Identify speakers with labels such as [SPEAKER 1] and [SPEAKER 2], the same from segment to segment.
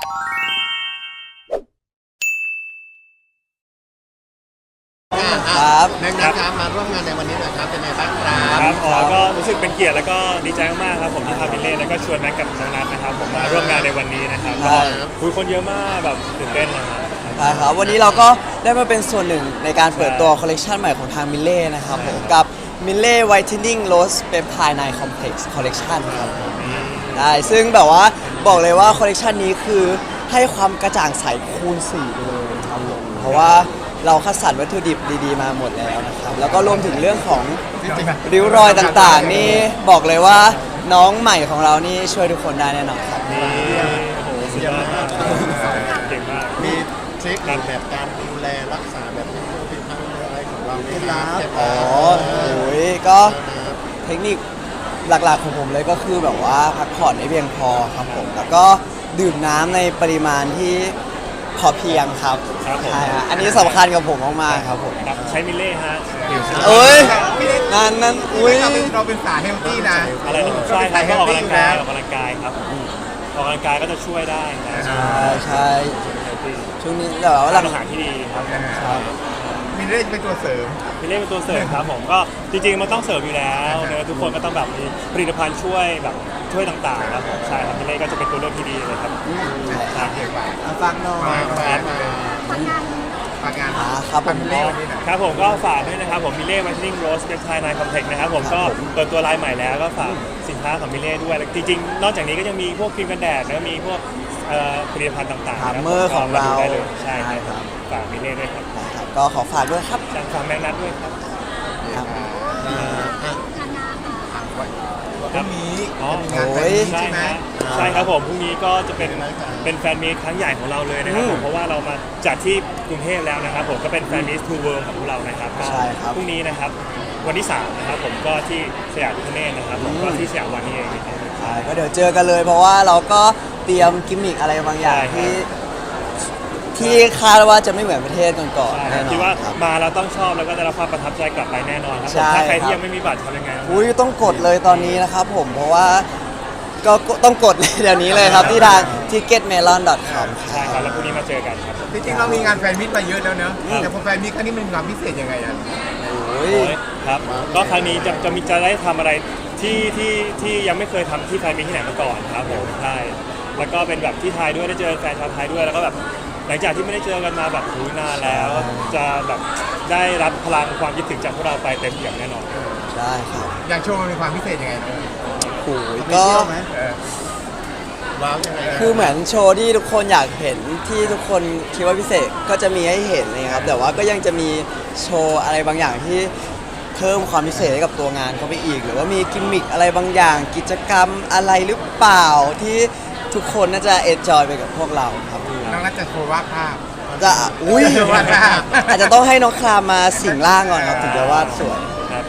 [SPEAKER 1] ครับ
[SPEAKER 2] นะครับมาร่วมงานในวันนี้หน่อยครับเป็นไงบ้างครับ
[SPEAKER 3] ครับก็รู้สึกเป็นเกียรติแล้วก็ดีใจมากๆครับผมที่พามิเล่แล้วก็ชวนแม็กกับน้องนัทนะครับผมมาร่วมงานในวันนี้นะครับก็คุยคนเยอะมากแบบตื่นเต้นนะครับ
[SPEAKER 1] ใช่ครับวันนี้เราก็ได้มาเป็นส่วนหนึ่งในการเปิดตัวคอลเลกชันใหม่ของทางมิเล่นะครับผมกับมิเล่ Whitening Rose Peptide Night Complex Collection ครับผมได้ซึ่งแบบว่าบอกเลยว่าคอลเลกชันนี้คือให้ความกระจ่างใสคูณ4ไปเลยครับผมเพราะว่าเราคัดสรรวัตถุดิบดีๆมาหมดแล้วนะครับแล้วก็รวมถึงเรื่องของริ้วรอยต่างๆนี่บอกเลยว่าน้องใหม่ของเรานี่ช่วยทุกคนได้แน่นอนครับ
[SPEAKER 3] นี่โอ้โหสุดยอดมากเก่งมาก
[SPEAKER 2] มีทริคหรือแบบการดูแลรักษาแบบเป็นทางอะไรของเราไหมครับ
[SPEAKER 1] อ๋อโอ้ยก็เทคนิคหลักๆของผมเลยก็คือแบบว่าพักผ่อนให้เพียงพอครับผมแล้วก็ดื่มน้ำในปริมาณที่พอเพียงครับใช่ฮะอันนี้สำคัญกับผมมากๆครับผม
[SPEAKER 3] ครับใช้มิเล่ฮะ
[SPEAKER 1] เอ้ยนั่นอุ้ย
[SPEAKER 2] เราเป็นสายเฮลตี้นะ
[SPEAKER 3] อะไรนะใช่ครับก็ออกกำลังกายครับออกกำลังกายก็จะช่วยได้นะ
[SPEAKER 1] ใช่ช่วงนี้แต่ว่าหลัง
[SPEAKER 3] อาหารที่ดีครับ
[SPEAKER 2] มีเรื่องเป็นตัวเสริม
[SPEAKER 3] มิเล่เป็นตัวเสริมครับผมก็จริงๆมันต้องเสริมอยู่แล้วเนอะทุกคนก็ต้องแบบมีผลิตภัณฑ์ช่วยแบบช่วยต่างๆครับผมใช่ครับมิเล่ก็จะเป็นตัวเลือกที่ดีเลยครับ
[SPEAKER 1] ฟังหน่อย
[SPEAKER 2] ฝากงาน
[SPEAKER 1] ครับผม
[SPEAKER 2] เล่วันนี้หน่อย
[SPEAKER 3] ครับผมก็ฝากด้วยนะครับผมมิเล่ Whitening Rose Peptide Night Complex นะครับผมก็เปิดตัวไลน์ใหม่แล้วก็ฝากสินค้าของมิเล่ด้วยแล้วจริงๆนอกจากนี้ก็ยังมีพวกครีมกันแดดแล้วมีพวกผลิตภัณฑ์ต่างๆ
[SPEAKER 1] ฮาร์เมอร์ของเรา
[SPEAKER 3] ได้เลยใช่
[SPEAKER 1] ใช่
[SPEAKER 3] ค
[SPEAKER 1] ครั
[SPEAKER 3] รับบ ฝากมิเล่ด้วยครับ
[SPEAKER 1] ก็ขอฝากด้วยครับ
[SPEAKER 3] ฝากแมงนัทด้วยครับ
[SPEAKER 2] พรุ่งนี้
[SPEAKER 3] อ๋อ
[SPEAKER 2] จะมีงานแฟนมีต
[SPEAKER 3] ใช่
[SPEAKER 2] ใช่ไหม
[SPEAKER 3] ฮะใช่ครับผมพรุ่งนี้ก็จะเป็นแฟนมีตครั้งใหญ่ของเราเลยนะครับผมเพราะว่าเรามาจัดที่กรุงเทพแล้วนะครับผมก็เป็นแฟนมีตทูเวิร์ของพวกเรานะครับก็
[SPEAKER 1] ใช่ครับ
[SPEAKER 3] พรุ่งนี้นะครับวันที่3นะครับผมก็ที่สยามพิคเนตนะครับผมก็ที่สยามวันนี้เองนะครับ
[SPEAKER 1] ใช่ก็เดี๋ยวเจอกันเลยเพราะว่าเราก็เตรียมกิมมิคอะไรบางอย่าง
[SPEAKER 3] ใช่ครับ
[SPEAKER 1] ที่คาดว่าจะไม่เหมือนประเทศก่อนๆแน่นอ
[SPEAKER 3] คิดว่าน
[SPEAKER 1] ครับ
[SPEAKER 3] มาเราต้องชอบแล้วก็ได้รับความประทับใจกลับไปแน่นอนครับผ
[SPEAKER 1] ใช่
[SPEAKER 3] มถ้าใคร
[SPEAKER 1] ครั
[SPEAKER 3] ที่
[SPEAKER 1] บ
[SPEAKER 3] ยังไม่มีบัตรทำยังไง
[SPEAKER 1] อุ้ยต้องกดเลยตอนนี้นะครับผมเพราะว่าก็ต้องกดเลยเดี๋ยวนี้เลยครับที่ทาง ticketmelon.com
[SPEAKER 3] ใช่ครับแล้วพรุ่งนี้มาเจอกันครับ
[SPEAKER 2] จริงๆเรามีงานแฟนมิตมาเยอะแล้วเนอะแต่พอแฟนมิตครั้งนี้มันมีความพิเศษยังไงอ่ะ
[SPEAKER 1] โอ้ย
[SPEAKER 3] โอ้ยครับก็ครั้งนี้จะได้ทำอะไรที่ยังไม่เคยทำที่ไทยมีที่ไหนมาก่อนครับผมใช่แล้วก็เป็นแบบที่ไทยด้วยได้เจอแฟนชาวไทยด้วยแล้วก็แบบหลังจากที่ไม่ได้เจอกันมาแบบนานแล้วจะแบบได้รับพลังความคิดถึงจากพวกเราไปเต็มเปี่ยมแน่นอน
[SPEAKER 1] ได้ครับ
[SPEAKER 2] อย่างโชว์มันมีความพิเศษยังไงนะ
[SPEAKER 1] โอ้ย
[SPEAKER 2] มี
[SPEAKER 1] ก็
[SPEAKER 2] เที่ยวไหมว้าวยังไง
[SPEAKER 1] คือเหมือนโชว์ที่ทุกคนอยากเห็นที่ทุกคนคิดว่าพิเศษก็จะมีให้เห็นเลยครับแต่ว่าก็ยังจะมีโชว์อะไรบางอย่างที่เพิ่มความพิเศษให้กับตัวงานเข้าไปอีก หรือว่ามีกิมมิคอะไรบางอย่างกิจกรรมอะไรหรือเปล่าที่ทุกคนน่าจะเอนจอยไปกับพวกเราครับ
[SPEAKER 2] น้องนัทจะโชว์วาดภาพ
[SPEAKER 1] จะอุ้ย
[SPEAKER 2] วาดภาพ
[SPEAKER 1] อาจจะต้องให้น้องคลามมาสิงร่างก่อนครับถึงจะวาดสวย
[SPEAKER 3] ครับ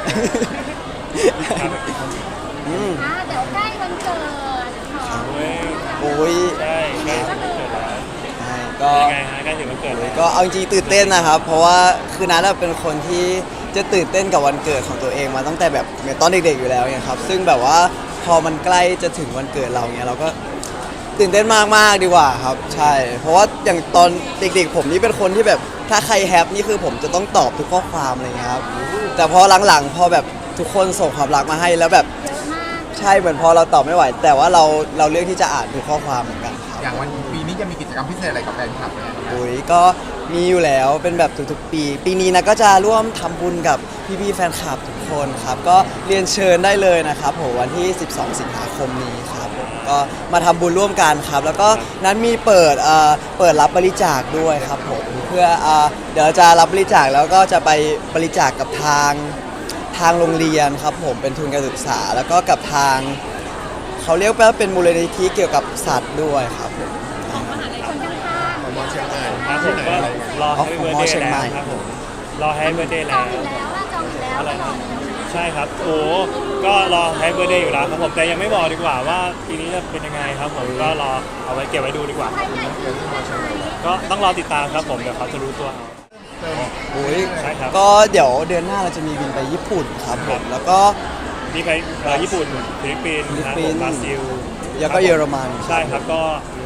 [SPEAKER 1] อืม
[SPEAKER 4] เดี๋ยวใกล้วันเกิดของ
[SPEAKER 3] โอ้ย
[SPEAKER 1] โอ้ย
[SPEAKER 3] ใช่ใกล้ถึงวันเกิดแล้ว
[SPEAKER 1] ใช่ก็
[SPEAKER 3] เป็นยังไงฮะใกล้ถึงวันเกิดแล้ว
[SPEAKER 1] ก็เอาจริงๆตื่นเต้นนะครับ เพราะว่าคือนัทเป็นคนที่จะตื่นเต้นกับวันเกิดของตัวเองมาตั้งแต่แบบเหมือนตอนเด็กๆอยู่แล้วเนี่ยครับซึ่งแบบว่าพอมันใกล้จะถึงวันเกิดเราเนี่ยเราก็ตื่นเต้นมากๆดีกว่าครับใช่ เพราะว่าอย่างตอนเด็กๆผมนี่เป็นคนที่แบบถ้าใครแฮปนี่คือผมจะต้องตอบทุกข้อความอะไรเงี้ยครับแต่พอหลังๆพอแบบทุกคนส่งความรักมาให้แล้วแบบ
[SPEAKER 4] เยอะมาก
[SPEAKER 1] ใช่เหมือนพอเราตอบไม่ไหว แต่ว่าเราเลือกที่จะอ่านทุกข้อความเหมือนกันครับ
[SPEAKER 2] อย่างวันปีนี้จะมีกิจกรรมพิเศษอะไรกับแฟนคลับเนี่ย
[SPEAKER 1] โอ้ยก็มีอยู่แล้วเป็นแบบทุกๆปี ปีนี้นะก็จะร่วมทำบุญกับพี่ๆแฟนคลับทุกคนครับก็เรียนเชิญได้เลยนะครับผมวันที่ 12 สิงหาคมนี้ครับผมก็มาทำบุญร่วมกันครับ แล้วก็นั้นมีเปิดรับบริจาคด้วยครับผมเพื่อเดี๋ยวจะรับบริจาคแล้วก็จะไปบริจาคกับทางโรงเรียนครับผมเป็นทุนการศึกษา แล้วก็กับทางเขาเรียกว่าเป็นมูลนิธิเกี่ยวกับสัตว์ด้วยครับผม
[SPEAKER 4] ของมหาลัยคนข้าง
[SPEAKER 2] ของมอเชียงใหม่
[SPEAKER 3] ครับผมก็รอ
[SPEAKER 1] อ๋อ
[SPEAKER 3] ให้
[SPEAKER 1] ของ
[SPEAKER 3] เบอร์
[SPEAKER 1] มอ
[SPEAKER 3] เด
[SPEAKER 1] เชีย
[SPEAKER 3] ย์
[SPEAKER 1] งใหม่
[SPEAKER 3] แล้วครับผมรอให้เบอร์เดย์
[SPEAKER 4] ๆจ
[SPEAKER 3] แล้
[SPEAKER 4] อง
[SPEAKER 3] ว
[SPEAKER 4] อยู่แล้วว่าจองอยู่แล้วตลอดเลย
[SPEAKER 3] ใช่ครับโอ้ก็รอให้เบอร์เดย์อยู่แล้วครับผมแต่ยังไม่บอกดีกว่าว่าปีนี้จะเป็นยังไงครับผมก็รอเอาไว้เก็บไว้ดูดีกว่า
[SPEAKER 4] ใครใหญ่ที่สุดใช่ไหม
[SPEAKER 3] ก็ต้องรอติดตามครับผมเดี๋ยวเขาจะรู้ตัวเอา
[SPEAKER 1] โอ้ย
[SPEAKER 3] ใช่ครับ
[SPEAKER 1] ก็เดี๋ยวเดือนหน้าเราจะมีบินไปญี่ปุ่นครับผมแล้วก็
[SPEAKER 3] มีไปญี่ปุ่นฟิลิปปินส์นะครับผมบราซิล
[SPEAKER 1] แล้วก็เยอรมัน
[SPEAKER 3] ใช่ครับก็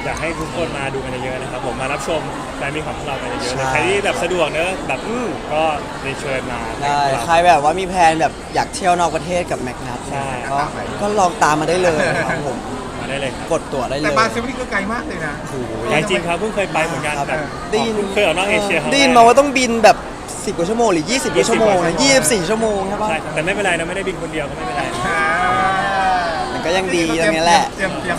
[SPEAKER 3] อยากให้ทุกคนมาดูกันเยอะๆนะครับผมมารับชมแฟนมีของพวกเรากันเยอะๆ
[SPEAKER 1] ใช่
[SPEAKER 3] เลยใครที่แบบสะดวกเนอะแบบก็เรียนเชิญมา
[SPEAKER 1] ได้ใครแบบว่ามีแพลนแบบอยากเที่ยวนอกประเทศกับแมกนัท
[SPEAKER 3] ใช่
[SPEAKER 1] ก็ลองตามมาได้เลยครับผม
[SPEAKER 3] มาได้เลยครับ
[SPEAKER 1] กดตั๋วได้เล
[SPEAKER 5] แต่
[SPEAKER 1] ย
[SPEAKER 5] บราซิลนี่ก็ไกลมากเลยนะ
[SPEAKER 1] โอ้โห
[SPEAKER 3] ใหญ่จริงครับเพิ่งเคยไปเหมือนกัน
[SPEAKER 1] ครับ
[SPEAKER 3] แบบ
[SPEAKER 1] ได้ยิน
[SPEAKER 3] เคยออกนอกเอเชียครั้งแรก
[SPEAKER 1] ได้ยินมาว่าต้องบินแบบ 10 กว่าชั่วโมงหรือ 20 กว่าชั่วโมงนะ24 ชั่วโมงใช่ปะ
[SPEAKER 3] ใช่แต่ไม่เป็นไรนะไม่ได้บินคนเดียวก็ไม่เป็นไร
[SPEAKER 1] แต่ก็ยังดีตรงนี้แหละ
[SPEAKER 5] เตรียม